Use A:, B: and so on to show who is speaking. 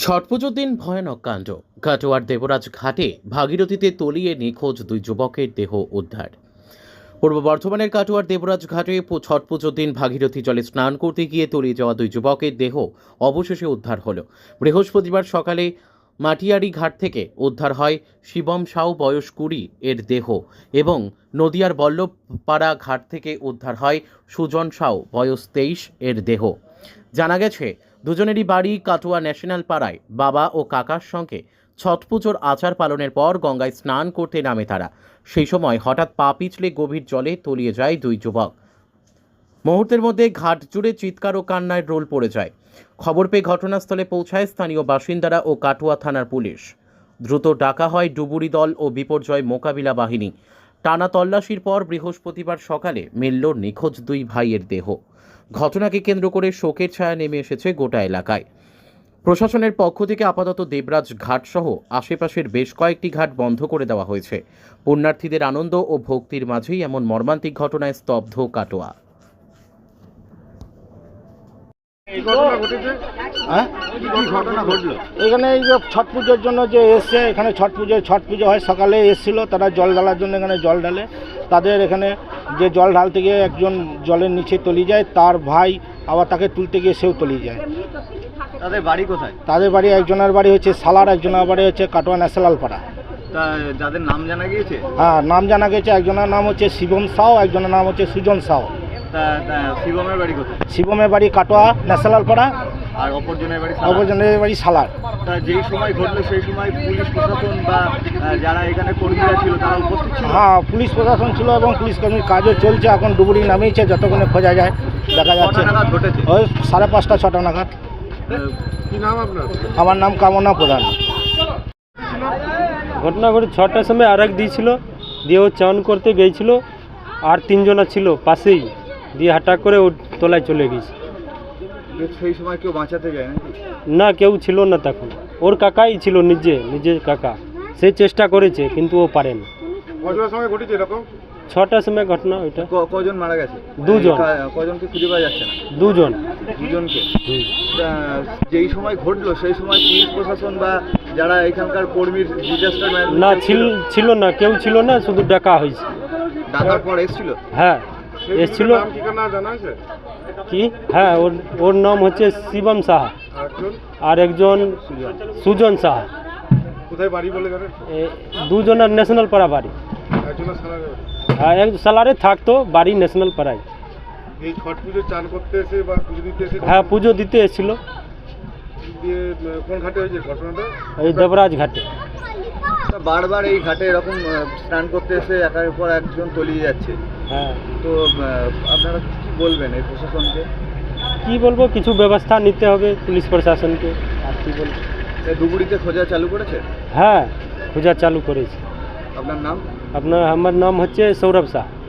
A: ছট পুজোর দিন ভয়ানক কাণ্ড। কাটোয়ার দেবরাজ ঘাটে ভাগীরথীতে তলিয়ে নিখোঁজ দুই যুবকের দেহ উদ্ধার। পূর্ব বর্ধমানের কাটোয়ার দেবরাজ ঘাটে ছট পুজোর দিন ভাগীরথী জলে স্নান করতে গিয়ে তলিয়ে যাওয়া দুই যুবকের দেহ অবশেষে উদ্ধার হলো। বৃহস্পতিবার সকালে মাটিয়ারি ঘাট থেকে উদ্ধার হয় শিবম সাউ বয়স 20 এর দেহ এবং নদিয়ার বল্লভপাড়া ঘাট থেকে উদ্ধার হয় সুজন সাউ বয়স 23 এর দেহ। জানা গেছে দুজনেরই বাড়ি কাটোয়া ন্যাশনাল পাড়ায়। বাবা ও কাকার সঙ্গে ছট পুজোর আচার পালনের পর গঙ্গায় স্নান করতে নামে তারা। সেই সময় হঠাৎ পা পিছলে গভীর জলে তলিয়ে যায় দুই যুবক। মুহূর্তের মধ্যে ঘাট জুড়ে চিৎকার ও কান্নায় রোল পড়ে যায়। খবর পেয়ে ঘটনাস্থলে পৌঁছায় স্থানীয় বাসিন্দারা ও কাটোয়া থানার পুলিশ। দ্রুত ডাকা হয় ডুবুরি দল ও বিপর্যয় মোকাবিলা বাহিনী। টানা তল্লাশির পর বৃহস্পতিবার সকালে মিলল নিখোঁজ দুই ভাইয়ের দেহ। ঘটনাকে কেন্দ্র করে শোকের ছায়া নেমে এসেছে গোটা এলাকায়। প্রশাসনের পক্ষ থেকে আপাতত দেবরাজ ঘাট সহ আশেপাশের বেশ কয়েকটি ঘাট বন্ধ করে দেওয়া হয়েছে। পুণ্যার্থীদের আনন্দ ও ভক্তির মাঝেই এমন মর্মান্তিক ঘটনায় স্তব্ধ কাটোয়া।
B: এখানে এই যে ছট পুজোর জন্য যে এসছে, এখানে ছট পুজো হয়, সকালে এসেছিল তারা জল ঢালার জন্য। এখানে জল ঢালে তাদের এখানে যে জল ঢালতে গিয়ে একজন জলের নিচে তলিয়ে যায়, তার ভাই আবার তাকে তুলতে গিয়ে সেও তলিয়ে যায়।
C: তাদের বাড়ি কোথায়?
B: তাদের বাড়ি একজনের বাড়ি হচ্ছে সালার, একজনের বাড়ি হচ্ছে কাটোয়া ন্যাশনাল পাড়া।
C: তা যাদের নাম জানা গিয়েছে?
B: হ্যাঁ, নাম জানা গেছে। একজনের নাম হচ্ছে শিবম সাউ, একজনের নাম হচ্ছে সুজন সাউ।
C: তা শিবমের বাড়ি কোথায়?
B: শিবমের বাড়ি কাটোয়া ন্যাশনাল পাড়া,
C: আর অপরজনের বাড়ি?
B: অপরজনের বাড়ি সালার।
C: তা যেই সময় ঘটলো সেই সময় পুলিশ প্রশাসন বা যারা এখানে কর্মীরা ছিল তারা উপস্থিত ছিল?
B: হ্যাঁ, পুলিশ প্রশাসন ছিল এবং পুলিশ কর্মীর কাজও চলছে। এখন ডুবুরি নামিয়েছে, যতক্ষণে খোঁজা যায় দেখা যাচ্ছে।
C: কটা নাগাদ ঘটেছে?
B: ওই 5:30 6টা নাগাদ।
C: কি নাম আপনার?
B: আমার নাম কামনা প্রধান।
D: ঘটনা ঘটে 6টার সময় আরেক দিয়েছিল, দিয়ে ও চান করতে গিয়েছিল, আর 3 জনা ছিল পাশেই, দিয়ে হঠাৎ করে ও তলায় চলে গেছে।
C: সেই সময় কেউ বাঁচাতে যায় নাকি?
D: না, কেউ ছিল না তখন। ওর কাকাই ছিল, নিজের কাকা। সে চেষ্টা করেছে কিন্তু ও পারেনি।
C: কটার সময় ঘটেছে এরকম?
D: 6টার সময় ঘটনা ওইটা।
C: কজন মারা গেছে?
D: 2 জন।
C: কজনকে খুঁজে পাওয়া যাচ্ছে না?
D: 2 জন।
C: দুজনকে? যেই সময় ঘটলো সেই সময় পুলিশ প্রশাসন বা যারা এখানকার কর্মীর ডিজাস্টার
D: না, ছিল না, কেউ ছিল না, শুধু ডাকা হয়েছে।
C: ডাকার পর এসেছিল?
D: হ্যাঁ, এসেছিল। কি? হ্যাঁ, ওর নাম হচ্ছে শিবম সাহা, আর একজন সুজন সাহা।
C: কোথায় বাড়ি বলে জানেন?
D: 2 জনের ন্যাশনাল পাড়া বাড়ি। হ্যাঁ, এক সালারে থাকতো, বাড়ি ন্যাশনাল পাড়ায়।
C: এই ছট পুজো চান করতে এসে বা পুজো দিতে এসে?
D: হ্যাঁ, পুজো দিতে এসেছিল।
C: কোন ঘাটে হয়েছে ঘটনাটা?
D: এই দেবরাজ ঘাটে।
C: বারবার এই ঘাটে এরকম স্নান করতে এসে একের পর একজন তলিয়ে যাচ্ছে।
D: হ্যাঁ,
C: তো আপনারা কি বলবেন এই প্রশাসনকে?
D: কি বলবো, কিছু ব্যবস্থা নিতে হবে পুলিশ প্রশাসনকে। আর কি বলবো?
C: ডুবুরিতে খোঁজা চালু করেছে?
D: হ্যাঁ, খোঁজা চালু করেছে।
C: আপনার নাম?
D: আমার নাম হচ্ছে সৌরভ শাহ।